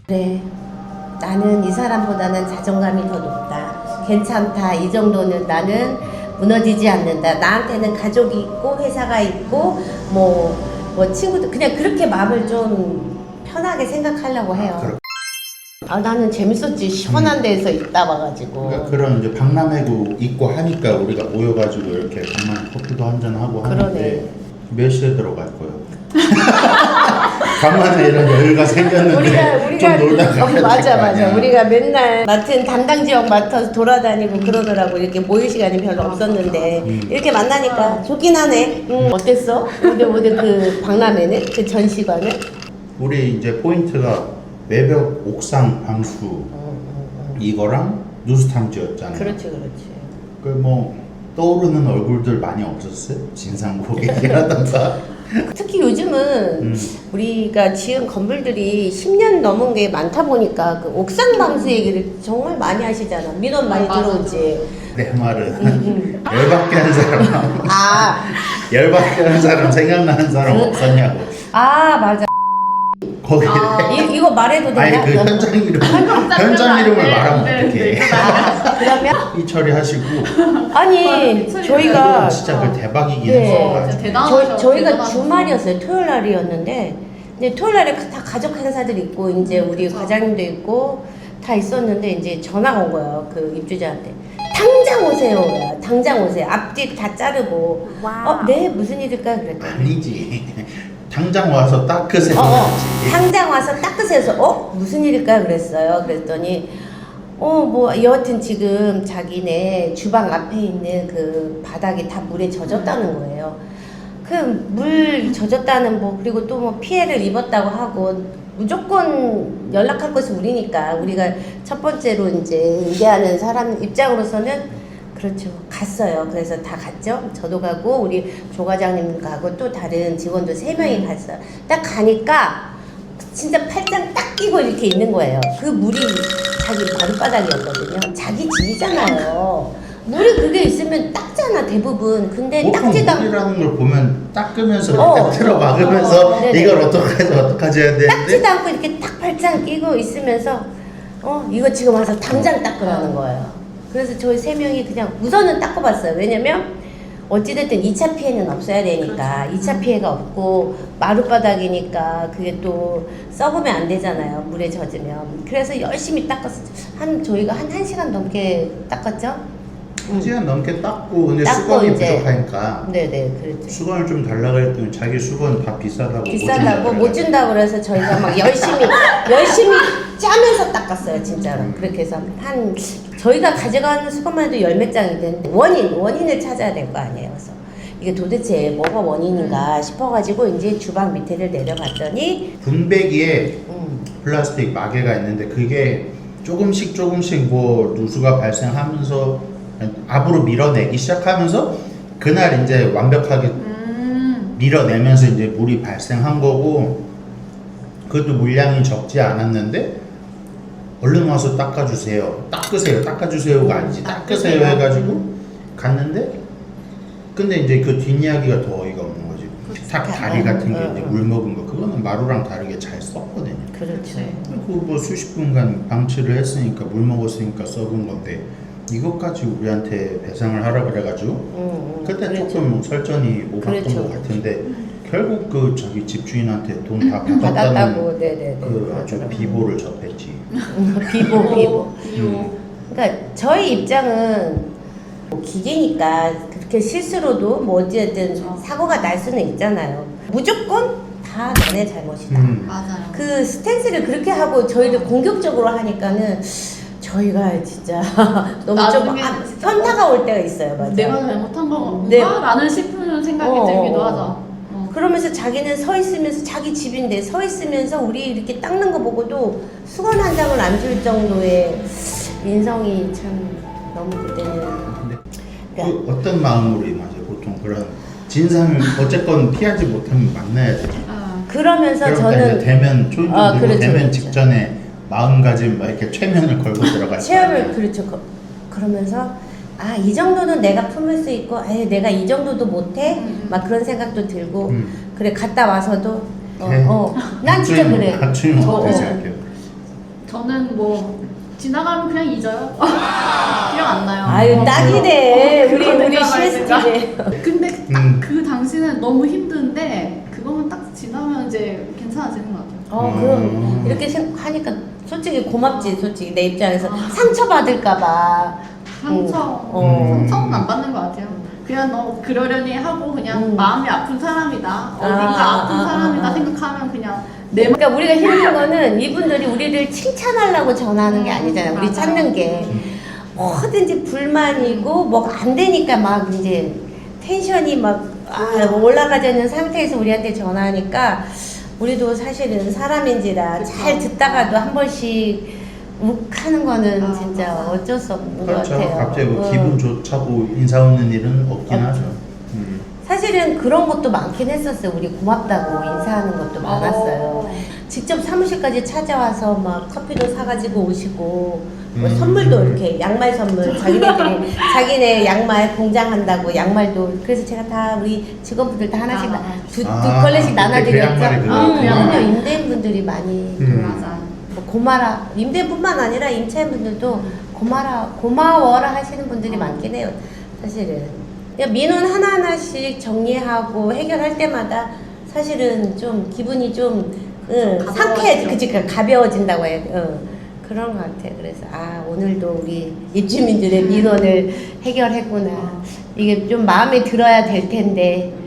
그래, 나는 이 사람보다는 자존감이 더 높다. 괜찮다. 이 정도는 나는 무너지지 않는다. 나한테는 가족이 있고 회사가 있고 뭐 친구들 그냥 그렇게 마음을 좀 편하게 생각하려고 해요. 아, 나는 재밌었지. 시원한 데에서 있다 와가지고. 그러니까 그런 이제 박람회도 있고 하니까 우리가 모여가지고 이렇게 간만에 커피도 한잔 하고 하는데 몇 시에 들어갈 거예요? 간만에 이런 여유가 생겼는데 좀 놀다 가야 맞아. 우리가 맨날 맡은 담당 지역 맡아서 돌아다니고 그러더라고. 이렇게 모일 시간이 별로 없었는데 이렇게 만나니까 좋긴 하네. 어땠어? 오늘 그 박람회는? 그 전시관은? 우리 이제 포인트가 외벽 옥상 방수 이거랑 누수탐지였잖아요. 그렇지. 그 뭐 떠오르는 얼굴들 많이 없었어요? 진상고객이라던가. 특히 요즘은 우리가 지은 건물들이 10년 넘은 게 많다 보니까 그 옥상 방수 얘기를 정말 많이 하시잖아. 민원 많이 들어오지. 내 말은 열받게 한 사람 열받게 한 사람 생각나는 사람 없었냐고. 아, 맞아. 거기 이거 말해도 되나? 아니 그 현장 이름을 말하면 어떡해. 그러면? 이 처리하시고. 아니 저희가 진짜 그 대박이긴 네. 했어. 저희가 주말이었어요. 토요일 날이었는데 근데 토요일 날에 다 가족 행사들 있고 이제 우리 과장님도 있고 다 있었는데 이제 전화가 온 거예요. 그 입주자한테. 당장 오세요. 당장 오세요. 앞뒤 다 자르고. 네, 무슨 일일까 그랬더니. 아니지. 당장 와서 닦으세요. 당장 와서 닦으세요. 그래서 무슨 일일까 그랬어요. 그랬더니 뭐 여하튼 지금 자기네 주방 앞에 있는 그 바닥이 다 물에 젖었다는 거예요. 그 물 젖었다는 그리고 또 뭐 피해를 입었다고 하고 무조건 연락할 것이 우리니까 우리가 첫 번째로 이제 응대하는 사람 입장으로서는 그렇죠. 갔어요. 그래서 다 갔죠. 저도 가고 우리 조 과장님 가고 또 다른 직원도 3명이 갔어요. 딱 가니까 진짜 팔짱 딱 끼고 이렇게 있는 거예요. 그 물이 자기 마룻바닥이었거든요. 자기 집이잖아요. 물이 그게 있으면 닦잖아 대부분. 근데 닦지도 않고 물이라는 걸 보면 닦으면서 이렇게 틀어 막으면서 이걸 어떡하지 해야 되는데 닦지도 않고 이렇게 딱 팔짱 끼고 있으면서 이거 지금 와서 당장 닦으라는 거예요. 그래서 저희 3명이 그냥 우선은 닦아봤어요. 왜냐면 어찌됐든 2차 피해는 없어야 되니까 2차 피해가 없고 마룻바닥이니까 그게 또 썩으면 안 되잖아요. 물에 젖으면. 그래서 열심히 닦았어요. 저희가 한 1시간 넘게 닦았죠? 1시간 넘게 닦고 근데 수건이 부족하니까 네네 그렇죠. 수건을 좀 달라고 했더니 자기 수건 다 비싸다고 못 준다고 그래서 저희가 막 열심히 짜면서 닦았어요 진짜로. 그렇게 해서 저희가 가져가는 수건만 해도 10몇 장이 되는데 원인을 찾아야 될 거 아니에요. 그래서 이게 도대체 뭐가 원인인가 싶어가지고 이제 주방 밑에를 내려갔더니 분배기에 플라스틱 마개가 있는데 그게 조금씩 뭐 누수가 발생하면서 앞으로 밀어내기 시작하면서 그날 이제 완벽하게 밀어내면서 이제 물이 발생한 거고 그것도 물량이 적지 않았는데 얼른 와서 닦으세요가 아니지 닦으세요 해가지고 갔는데 근데 이제 그 뒷이야기가 더 어이가 없는 거지. 탁 다리 같은 게 이제 물 먹은 거 그거는 마루랑 다르게 잘 썩거든요. 그렇죠. 뭐 수십 분간 방치를 했으니까 물 먹었으니까 썩은 건데 이것까지 우리한테 배상을 하라 그래가지고 그때 그렇죠. 조금 설전이 오갔던 것 같은데 결국 그 저기 집주인한테 돈 다 받았다는 네네네. 그 아주 비보를 접했지. 비보. 그러니까 저희 입장은 기계니까 그렇게 실수로도 뭐 어찌됐든 사고가 날 수는 있잖아요. 무조건 다 너네 잘못이다. 맞아요. 그 스탠스를 그렇게 하고 저희를 공격적으로 하니까는 저희가 진짜 너무 좀 현타가 올 때가 있어요. 맞아. 내가 잘못한 건가? 라는 싶은 생각이 들기도 하죠. 그러면서 자기는 서 있으면서 자기 집인데 서 있으면서 우리 이렇게 닦는 거 보고도 수건 한 장을 안 줄 정도의 인성이 참 너무 그때는. 그 어떤 마음으로 임하세요? 보통 그런 진상을 어쨌건 피하지 못하면 만나야 되죠. 그러면서 저는 대면 초인종 그렇죠. 대면 직전에 마음가짐 막 이렇게 최면을 걸고 들어갈 체험을 그렇죠. 그러면서 이 정도는 내가 품을 수 있고 내가 이 정도도 못해 막 그런 생각도 들고 그래 갔다 와서도 난 진짜 그래. 박주임 어떻게 생각해요? 저는 뭐 지나가면 그냥 잊어요. 기억 안 나요. 아유 딱이네. 우리 그러니까 CSTV. 근데 딱 그 당시는 너무 힘든데 그거만 딱 지나면 이제 괜찮아지는 것 같아요. 그럼 이렇게 하니까 솔직히 고맙지. 솔직히 내 입장에서 상처 받을까봐. 상처는 안 받는 것 같아요. 그냥 너 그러려니 하고 그냥 마음이 아픈 사람이다. 어딘가 아픈 사람이다 생각하면 그냥 내 그러니까 우리가 힘든 거는 이분들이 우리를 칭찬하려고 전하는 게 아니잖아요. 우리 맞아요. 찾는 게 뭐든지 불만이고 뭐 안 되니까 막 이제 텐션이 막 올라가지 않는 상태에서 우리한테 전화하니까 우리도 사실은 사람인지라 잘 듣다가도 한 번씩 욱하는 거는 진짜 어쩔 수 없는 그렇죠. 것 같아요. 갑자기 뭐 기분 좋자고 인사 없는 일은 없긴 하죠. 사실은 그런 것도 많긴 했었어요. 우리 고맙다고 인사하는 것도 많았어요. 직접 사무실까지 찾아와서 막 커피도 사가지고 오시고 뭐 선물도 이렇게 양말 선물 자기네들이 자기네 양말 공장한다고 양말도 그래서 제가 다 우리 직원분들 다 하나씩 두 컬레씩 나눠드렸죠. 그럼요. 임대인분들이 많이 맞아. 뭐 고마라 임대인뿐만 아니라 임차인분들도 고마워라 하시는 분들이 많긴 해요. 사실은 그냥 민원 하나하나씩 정리하고 해결할 때마다 사실은 좀 기분이 좀 상쾌해, 그치, 가벼워진다고 해요. 그런 것 같아. 그래서 오늘도 우리 입주민들의 민원을 해결했구나. 이게 좀 마음에 들어야 될 텐데